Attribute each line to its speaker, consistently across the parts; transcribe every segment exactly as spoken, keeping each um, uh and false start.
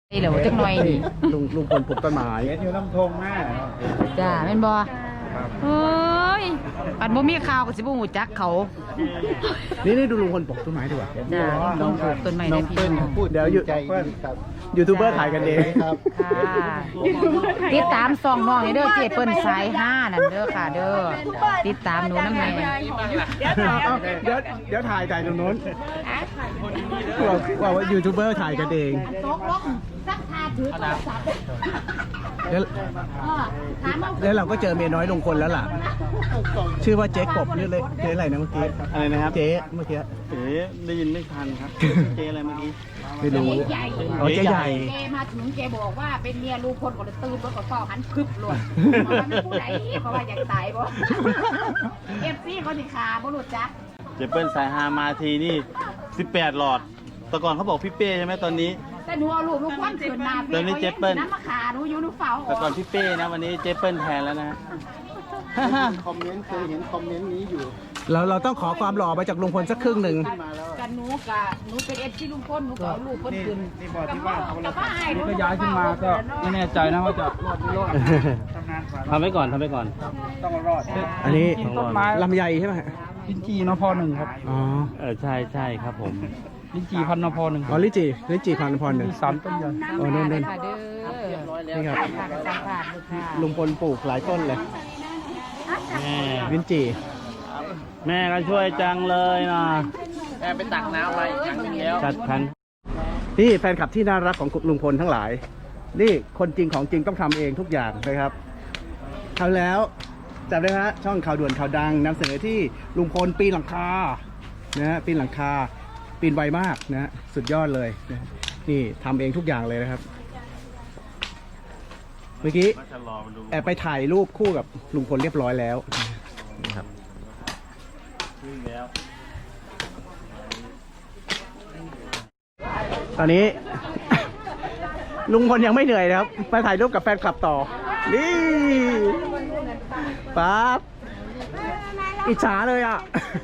Speaker 1: เหลวจักหน่อยนี่
Speaker 2: ลุงลุงพลปลูกต้นไม้
Speaker 3: เห็นอยู่น้ำทงแม่
Speaker 1: จ้าแม่นบ่เฮ้ยปัดบ่มีข่าวก็สิบ่ฮู้จักเขา
Speaker 2: นี่นี่ดูลุงพลปลูกต้นไม้ดีกว่า
Speaker 1: จ้าน้องปลูกต้นไม้ได้พี่น้อง
Speaker 2: เดี๋ยวอยู่
Speaker 3: ใจดีครับ
Speaker 2: ยูทูบเบอร์ถ่ายกันเอง
Speaker 3: ครับ
Speaker 1: ค่ะติดตามส่องน้องให้เด้อเจเปิ้นสายห้านั่นเด้อค่ะเด้อติดตามหนูนำแม่
Speaker 2: เอาเดี๋ยวเดี๋ยวถ่ายถ่ายตรงนู้นว่าว่าว่ายูทูบเบอร์ถ่ายกันเอง
Speaker 1: ตกลงสักพาถือโทรศัพท์
Speaker 2: แล้ว
Speaker 1: เออถามเอา
Speaker 2: แล้วเราก็เจอเมียน้อยลุงพลแล้วล่ะ ชื่อว่าเจ๊กบนี่เลยเจ๊อะไรนะเมื่อกี้
Speaker 3: อะไรนะครับ
Speaker 2: เจ๊เมื่อกี้
Speaker 3: เอ๋ได้ยินไม่ทันครับ เจอะไรเมื่อกี้
Speaker 2: ไม่รู้
Speaker 1: ใหญ่
Speaker 2: อ๋อเจ๊ใหญ่
Speaker 1: เจมาถึงเจบอกว่าเป็นเมียลูกคนก็เลยตื่นแล้วก็ต่อหันพึบเลยเพราะว่าไม่ผู้ใดเพราะว่าอยากตายบ่เอฟซีเขาสิขาบ่รู้จัก
Speaker 3: เจเปิ้ลสายฮามาทีนี่สิบแปดหลอด แต่ก่อนเขาบอกพี่เป้ใช่ไหมตอนนี้
Speaker 1: แต่หนูเอาลูกลูกควันขืนนา
Speaker 3: เดี๋ยวนี้เจเปิ้ล
Speaker 1: น้ำมาขาหนูอยู่หนูเฝ้า
Speaker 3: แต่ก่อนพี่เป้นะวันนี้เจเปิ้ลแทนแล้วนะ
Speaker 4: คอมเมนต์เคยเห็นคอมเมนต์นี้อยู่
Speaker 2: เราเราต้องขอความหล่อมาจากลุงพลสักครึ่งหนึ่ง
Speaker 1: กันหนูกับหนูเป็นเอฟซีลุงพลหนูก็เอาลูกเพิ่นขึ้น
Speaker 3: นี่บอกที่บ้านเขา
Speaker 1: แต่ว่าไอ้หนู
Speaker 3: ก็ย้ายขึ้นมาก็ไม่แน่ใจนะว่าจะรอดไม่รอดทำไว้ก่อนทำไว้ก่อน ต้องรอด
Speaker 2: อันนี้
Speaker 3: ต้นไม้
Speaker 2: ลำไยใช่ไหม
Speaker 3: ลิ้นจีนพหนึ่งครับ
Speaker 2: อ๋อ
Speaker 3: เออใช่ใช่ครับผมลิ้นจีพันนพหนึ่ง
Speaker 2: อ๋อลิจิลิจิพันธุ์พรหนึ่ง
Speaker 3: สามต้นใหญ่
Speaker 2: โอ้นู่นนู่น
Speaker 1: ค่ะเด้อ
Speaker 2: นี่ครับ
Speaker 1: ค่ะสัมภาษณ์ลูกค่ะ
Speaker 2: ลุงพลปลูกหลายต้นเลย
Speaker 3: แม่
Speaker 2: วินจี
Speaker 3: แม่ก็ช่วยจังเลยนะ
Speaker 4: แม่ไปตักน้ำมาอีกครั้งหนึงแล้ว
Speaker 3: จัดพัน
Speaker 2: นี่แฟนคลับที่น่ารักของลุงพลทั้งหลาย นี่คนจริงของจริงต้องทำเองทุกอย่างนะครับทำแล้วจำได้ไหมฮะช่องข่าวด่วนข่าวดังนำเสนอที่ลุงพลปีนหลังคานะฮะปีนหลังคาปีนไวมากนะฮะสุดยอดเลยนะนี่ทำเองทุกอย่างเลยนะครับ เมื่อกี้แอบไปถ่ายรูปคู่กับลุงพลเรียบร้อยแล้วนะครับตอนนี้ ลุงพลยังไม่เหนื่อยนะครับไปถ่ายรูปกับแฟนคลับต่อ นี่ป๊าบอิจฉาเลยอ่ะ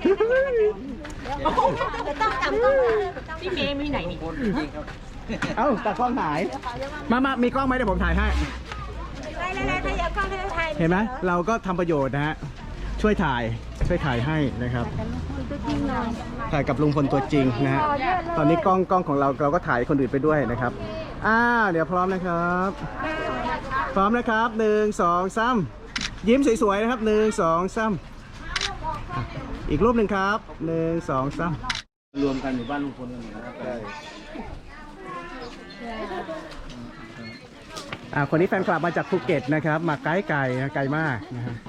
Speaker 1: พี่เมย์มีไหนนี่
Speaker 2: เอ้าตากล้องหาย มามามีกล้องไหมเดี๋ยวผมถ่ายให้
Speaker 5: ได้ๆๆถ้าอยากฟังให้ถ่าย
Speaker 2: เห็นไหมเราก็ทำประโยชน์นะฮะ ช่วยถ่าย ช่วยถ่ายให้นะครับ ถ่ายกับลุงพลตัวจริงนะฮะ ตอนนี้กล้องกล้องของเราเราก็ถ่ายคนอื่นไปด้วยนะครับ อ้าวเดี๋ยวพร้อมนะครับ พร้อมนะครับหนึ่งสองสามยิ้มสวยๆนะครับหนึ่งสองสามอ่ะอีกรูปหนึ่งครับหนึ่งสองสาม
Speaker 3: รวมกันอยู่บ้านลุงพลกันหมดนะครับ
Speaker 2: อ่าคนนี้แฟนคลับมาจากภูเก็ตนะครับ มาไกลไกลนะไกลมากนะฮะ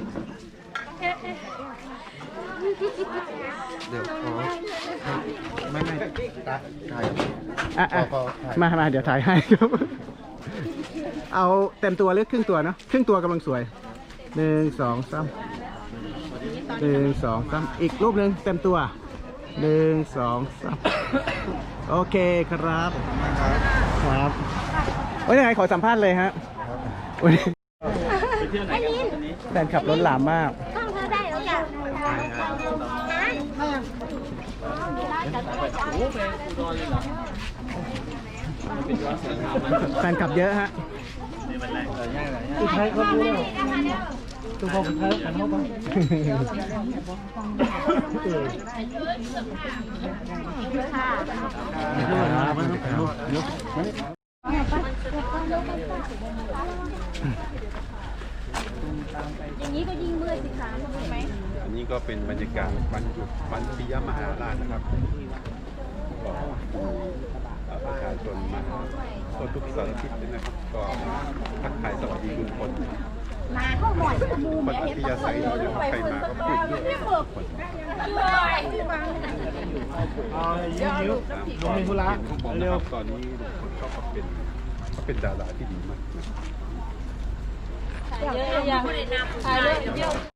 Speaker 4: เดี๋ยวขอไม่ไม่ตักถ่าย
Speaker 2: อ่ะอ่ะ
Speaker 4: ขอขอถ่าย
Speaker 2: มามาเดี๋ยวถ่ายให้ครับ เอาเต็มตัวหรือครึ่งตัวเนาะครึ่งตัวกำลังสวยหนึ่งสองสามหนึ่งสองสามอีกรูปหนึ่งเต็มตัวหนึ่งสองสามโอเคครับครับโอ้ยยังไงขอสัมภาษณ์เลยฮะวันนี้
Speaker 3: ไปเที่ยวไหนกันวันนี้
Speaker 2: แฟนขับรถหลามมาก
Speaker 5: ฟังเธอได้แล้วจ้ะนะ
Speaker 2: แฟนขับเยอะฮะ
Speaker 3: สุดท้ายเขาพูดแล้วทุกคนสุดท้ายกันเข้าไป
Speaker 5: อย่างนี้ก็ยิ่งเมื่อยสิคะถูกไหม
Speaker 4: อันนี้ก็เป็นบรรยากาศวันหยุดวันปิยมหาราชนะครับก็มีเอ่อประชาชนมาทั่วทุกสารทิศเลยนะครับ ก็ทักทายสวัสดีลุงพล
Speaker 5: มาเข้าหน่อยมู
Speaker 4: คนอัธยาศัยดีนะครับใครมาก็พูดด้วยนะครับคน
Speaker 3: ยิ้มยิ้มลงมีธุระ
Speaker 4: ของผมนะครับตอนนี้ลุงพลเขาก็เป็นเขาเป็นดาราที่ดีมากนะครับ
Speaker 5: เยอะยัง